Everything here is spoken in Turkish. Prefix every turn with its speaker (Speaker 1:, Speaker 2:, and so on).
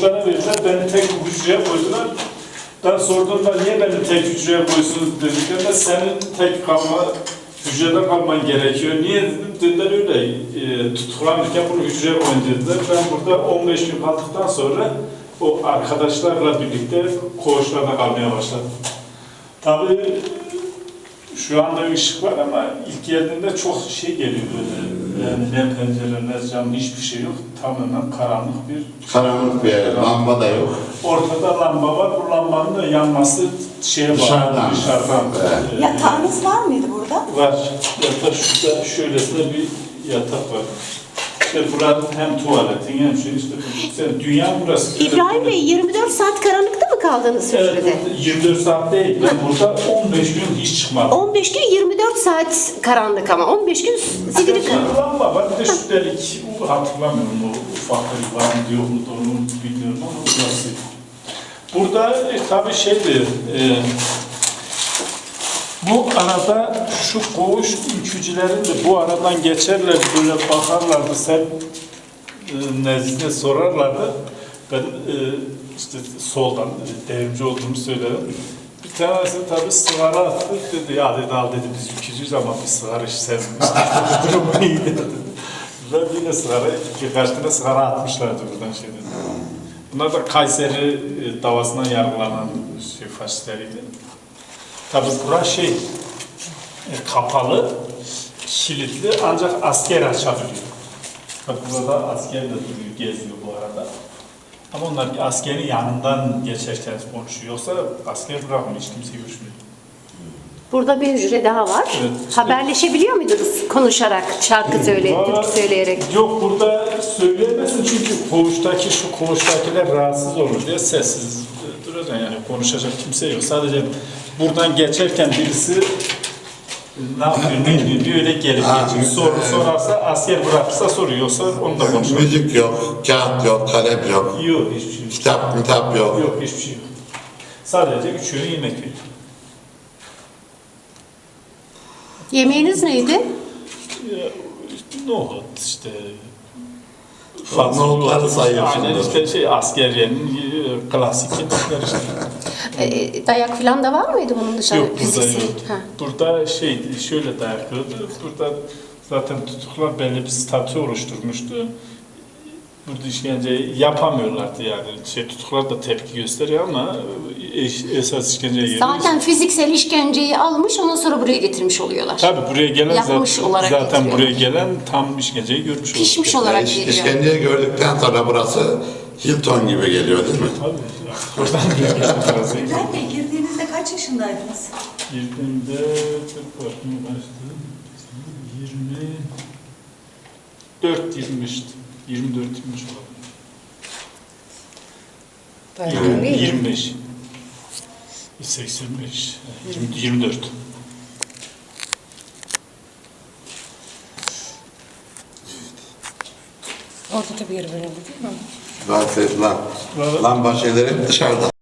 Speaker 1: koğuşlara verdiler. Beni tek hücreye koydular. Ben sorduğumda niye beni tek hücreye koysunuz dediklerinde senin tek hücrede kalman gerekiyor. Niye dedim? Dediler öyle tutuklanırken bunu hücreye koyun dediler. Ben burada 15 gün kaldıktan sonra o arkadaşlarla birlikte koğuşlarda kalmaya başladım. Tabii şu anda ışık var ama ilk geldiğinde çok şey geliyor böyle. Yani ne pencere ne cam hiçbir şey yok. Tamamen karanlık bir...
Speaker 2: Karanlık bir yer, lamba da yok.
Speaker 1: Ortada lamba var. Bu lambanın da yanması şeye bağlı. Dışarıdan.
Speaker 2: Evet.
Speaker 3: Yatağınız var mıydı burada?
Speaker 1: Var. Yatak şurada şöylesine bir yatak var. İşte buranın hem tuvaletin hem şey işte dünya burası.
Speaker 4: İbrahim Bey 24 saat karanlıkta mı kaldınız hücrede?
Speaker 1: Evet, 24 saat değil. Ben burada 15 gün hiç çıkmadım.
Speaker 4: 15 gün 24 saat karanlık ama 15 gün zifiri karanlık.
Speaker 1: Lamba var. Bir de şu delik hatırlamıyorum o ufak bir var mı yok mu onu bilmiyorum ama burası. Burada tabii şeydi. Bu arada şu koğuş ülkücülerin de bu aradan geçerler böyle bakarlardı sen nezdine sorarlardı. Ben işte soldan devrimci olduğumu söyledim. Bir tanesi tabii sigara attı dedi ya dedi al dedi biz ülkücüyüz ama biz sigara hiç sevmiyoruz. Durum iyi dedi. Ben yine sigara birkaç tane sigara atmışlardı buradan şeyden. Bunlar da Kayseri davasından yargılanan faşistleriydi. Tabii burası kapalı, kilitli ancak asker açabiliyor. Bak burada asker de duruyor, geziyor bu arada. Ama onlar askerin yanından geçerken konuşuyor. Yoksa asker bırakmıyor, hiç kimse görüşmüyor.
Speaker 4: Burada bir hücre daha var.
Speaker 1: Evet.
Speaker 4: Haberleşebiliyor muydunuz konuşarak, şarkı söyleyerek, türkü söyleyerek?
Speaker 1: Yok burada söyleyemezsin çünkü şu koğuştakiler rahatsız olur diye sessiz duracaksın yani konuşacak kimse yok. Sadece buradan geçerken birisi ne yapıyor, ne diyor öyle gelip geçiyor. Soru sorarsa asker bırakırsa soruyor yoksa onu da konuşuyor.
Speaker 2: Müzik yok, kağıt yok, kalem yok.
Speaker 1: Yok hiçbir şey yok.
Speaker 2: Kitap yok.
Speaker 1: Yok hiçbir şey yok. Sadece 3 öğün yemek veriyor.
Speaker 4: Yemeğiniz neydi?
Speaker 1: Nohut işte
Speaker 2: Nohutları sayıyorsun.
Speaker 1: Aynen işte askeriyenin klasik yemekler işte.
Speaker 4: Dayak falan da var mıydı bunun dışında?
Speaker 1: Yok burada
Speaker 4: fiziksel?
Speaker 1: yok.
Speaker 4: Ha.
Speaker 1: Burada şöyle dayak yiyordu. Burada zaten tutuklar belli bir statü oluşturmuştu. Burada işkence yapamıyorlardı yani. Tutuklar da tepki gösteriyor ama esas işkenceye geliyor.
Speaker 4: Zaten fiziksel işkenceyi almış, ondan sonra buraya getirmiş oluyorlar.
Speaker 1: Tabii buraya gelen
Speaker 4: Yapmış olarak
Speaker 1: zaten
Speaker 4: getiriyor.
Speaker 1: buraya gelen tam işkenceyi görmüş oluyor.
Speaker 4: Pişmiş olarak geliyor.
Speaker 2: İşkenceyi gördükten sonra burası Hilton gibi geliyor değil mi?
Speaker 1: Tabii. Buradan buraya gelen burası.
Speaker 3: İbrahim Bey girdiğinizde kaç yaşındaydınız?
Speaker 1: Girdiğimde bakmaya başladım. 24-25'ti. 24-25 olabilir. 25. 85. 24.
Speaker 5: Orada da bir yer verildi değil mi?
Speaker 2: Lamba şeyleri hep dışarıda.